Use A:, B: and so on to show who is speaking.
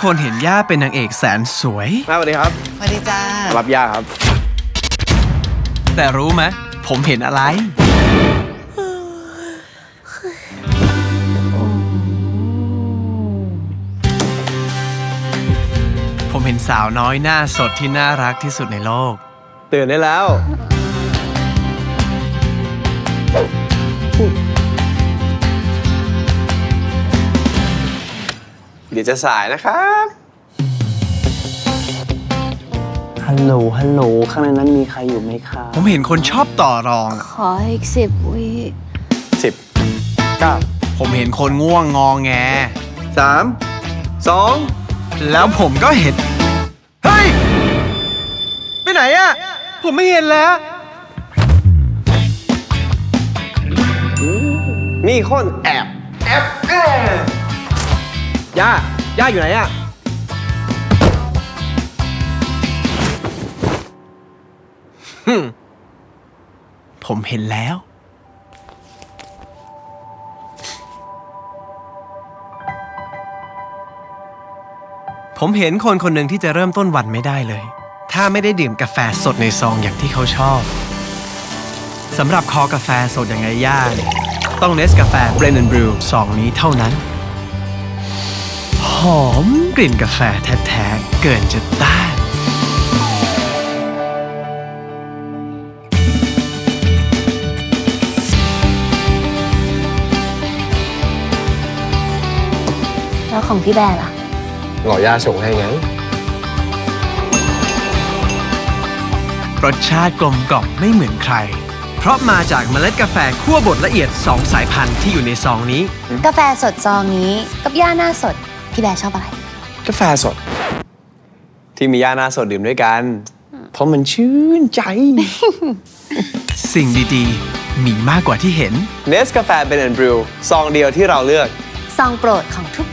A: คนเห็นย่าเป็นนางเอกแสนสวย
B: สวัสดีครับ
C: สวัสดีจ้า
B: รับย่าครับ
A: แต่รู้ไหมผมเห็นอะไร ผมเห็นสาวน้อยหน้าสดที่น่ารักที่สุดในโลก
B: ตื่นได้แล้ว เดี๋ยวจะสายนะครับ
D: ฮัลโหล ฮัลโหล ข้างในนั้นมีใครอยู่ไหมคะ
A: ผมเห็นคนชอบต่อรองอะ
E: ขออีก10 วิ
B: 10 9
A: ผมเห็นคนง่วงงอแง
B: 3 2
A: แล้วผมก็เห็น เฮ้ย ไปไหนอะผมไม่เห็นแล้ว
B: มีคนแอบย่าอยู่ไหนอะ
A: ผมเห็นแล้ว ผมเห็นคนคนหนึ่งที่จะเริ่มต้นวันไม่ได้เลย ถ้าไม่ได้ดื่มกาแฟสดในซองอย่างที่เขาชอบสำหรับคอกาแฟสดอย่างไงย่าเนี่ยต้องเนสกาแฟ Blend and Brew ซองนี้เท่านั้น หอมกลิ่นกาแฟแท้ๆเกินจะต้าน
E: แล้วของพี่แบร์ล่ะ
B: หล่อย่าส่งให้ไง
A: รสชาติกลมกล่อมไม่เหมือนใคร เพราะมาจากเมล็ดกาแฟคั่วบดละเอียด 2 สายพันธุ์ที่อยู่ในซองนี้
E: กาแฟสดซองนี้กับย่าหน้าสด พี่แบร์ชอบอะไร
B: กาแฟสด ที่มีย่าหน้าสดดื่มด้วยกัน เพราะมันชื่นใจ
A: สิ่งดีๆ มีมากกว่าที่เห็น
B: เนสกาแฟเบนแอนด์บรูซองเดียวที่เราเลือก
E: ซองโปรดของทุก